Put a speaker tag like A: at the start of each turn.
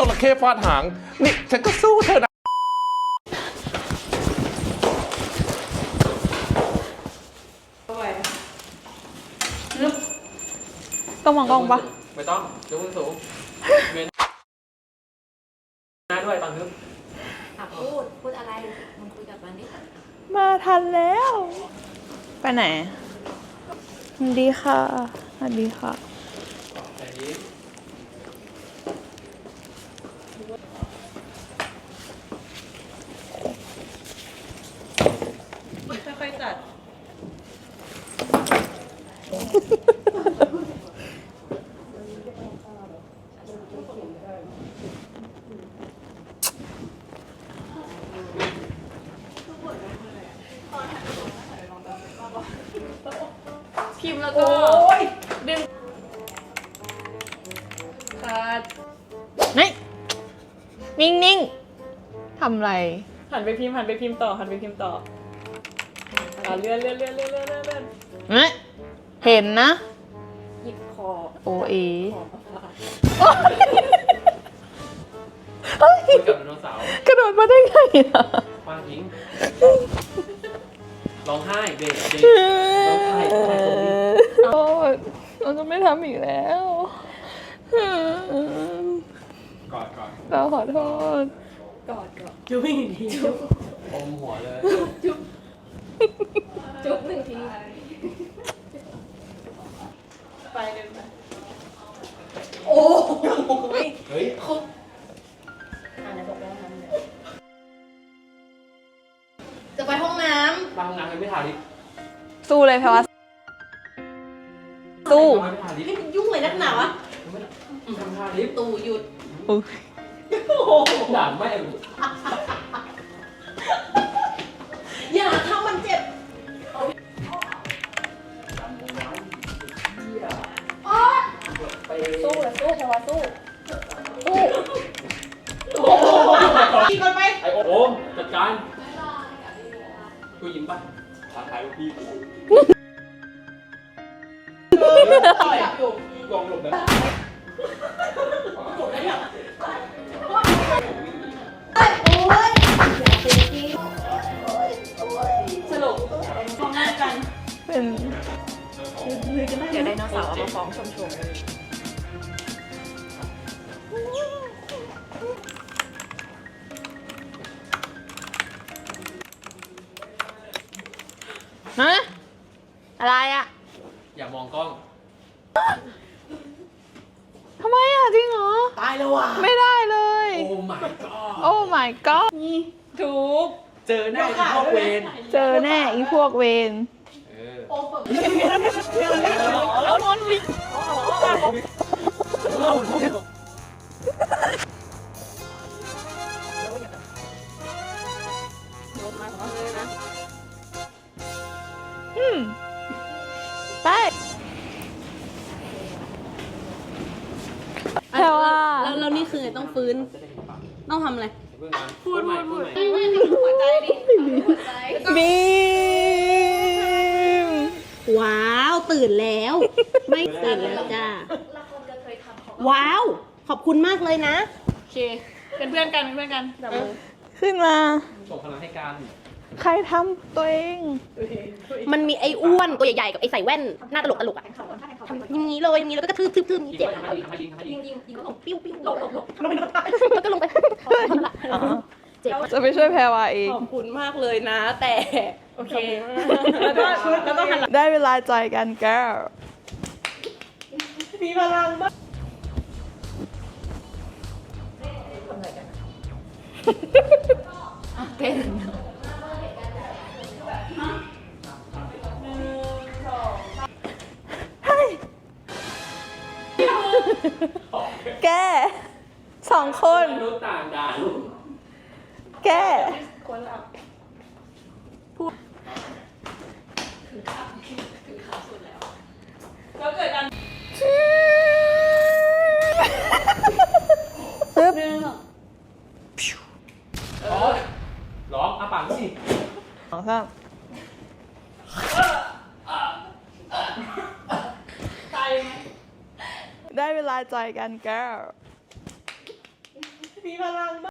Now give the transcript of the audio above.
A: ระเข้ฟาดหางนี่ฉันก็สู้เธอนะ
B: ต้องมองกล้องปะ
C: ไม่ต้องยกมือสูงเมนหน้าด้วยตอนนึก
D: พูดอะไรมึงคุยกับมันดิ
B: มาทันแล้ว ไปไหนสวัสดีค่ะสวัสดีค่ะ
C: แต่ยิ้ม
B: จะค่อยจัดพิมพ์แล้วก็ดึงขาดนี่นิ่งๆทำไร
E: หันไปพิมพ์ต่อเลื่อน
B: เห็นนะ
E: หยิบคอ
B: โอเอ
C: คุยกับไดโนเสาร์
B: กระโดดมาได้ไงอ่ะ
C: คว้างทิ้งร้องไห้เบรกร้องไห้ตรงนี้
B: โอ้เราจะไม่ทำอีกแล้ว
C: กอด
B: เราขอโทษ
E: จุ๊บอีกที
C: อมหัวเลย
E: จุ๊บหนึ่งทีไปเลยนะโอ้ย
C: เฮ้ย
E: อะไรบอกว่าทำเนี่ย
D: จะไปห้องน้
C: บางงานยังไม่ทาลิป
B: สู้เลยแพรวาสู้
C: ไม่ทาลิป
D: ำนี่ยุ่งเลยนักหนาวะ
C: ไม่ทำทาลิป
D: ตู่หยุด
C: ด่าแม่
D: อย่าทำมันเจ็บ
E: สู้เลยสู้แพรวาสู้
D: กินก่อนไป
C: ไอโอมจัดการกูยิ้มป่ะท้าทายลูกพี่กูลองหลบนะ
E: สรุปฟ้องหน้ากัน
B: เป็น
E: เดี๋ยวไดโนเสาร์เอามาฟ้องชม
B: ฮะอะไรอ่ะ
C: อย่ามองกล้อง
B: ทำไมอ่ะจริงเหรอ
C: ตายแล้วว่ะ
B: ไม่ได้เลย
C: โอ้ my god
B: โอ้ my god
E: ถูก
C: เจอหน้าอีพ่อเวน
B: เจอแน่อีพวกเวน
E: แล้วนอนลิง
B: ไปแพรว่า
D: แล้วนี่คือต้องฟื้น ต้องทำอะไร
C: พูดใหม่
D: หัวใจดิหัวใจ
B: บีม
D: ว้าวตื่นแล้ว ไม่ตื่นแล้วจ้าว้าว ขอบคุณมากเลยนะ
E: โอเคเป็นเพื่อนกันจับมือ
B: ขึ้นมา
C: ส่งพลังให้กัน
B: ใครทำตัวเอง
D: มันมีไอ้อ้วนตัวใหญ่ๆกับไอ้ใส่แว่นหน้าตลกอ่ะทำอย่างนี้เลยอย่างนี้แล้วก็กระทืบอย่างนี้
C: ยิง
D: เจ็บ
C: ไปทำไมยิงทำไมยิง
D: ยิงแล้วปิ้วหลบแล้วก็ลงไปเจ็บ
B: จะไปช่วยแพรวาเอง
D: ขอบคุณมากเลยนะ แต่
E: โอเคแล้วก็หันหลัง
B: ได้เวลาจอยกันแก้ว
E: มีพลังมาก
D: เต้น
B: แกสองคน
C: มนุษย์ต่างดาว
B: แก
E: คนละแล้วเกิดการ
B: ปึ๊บ
C: ร้องอาปากสิ
B: สองสาม
E: ตายไหม
B: ได้เวลาจอยกันแก้ว
E: พลัง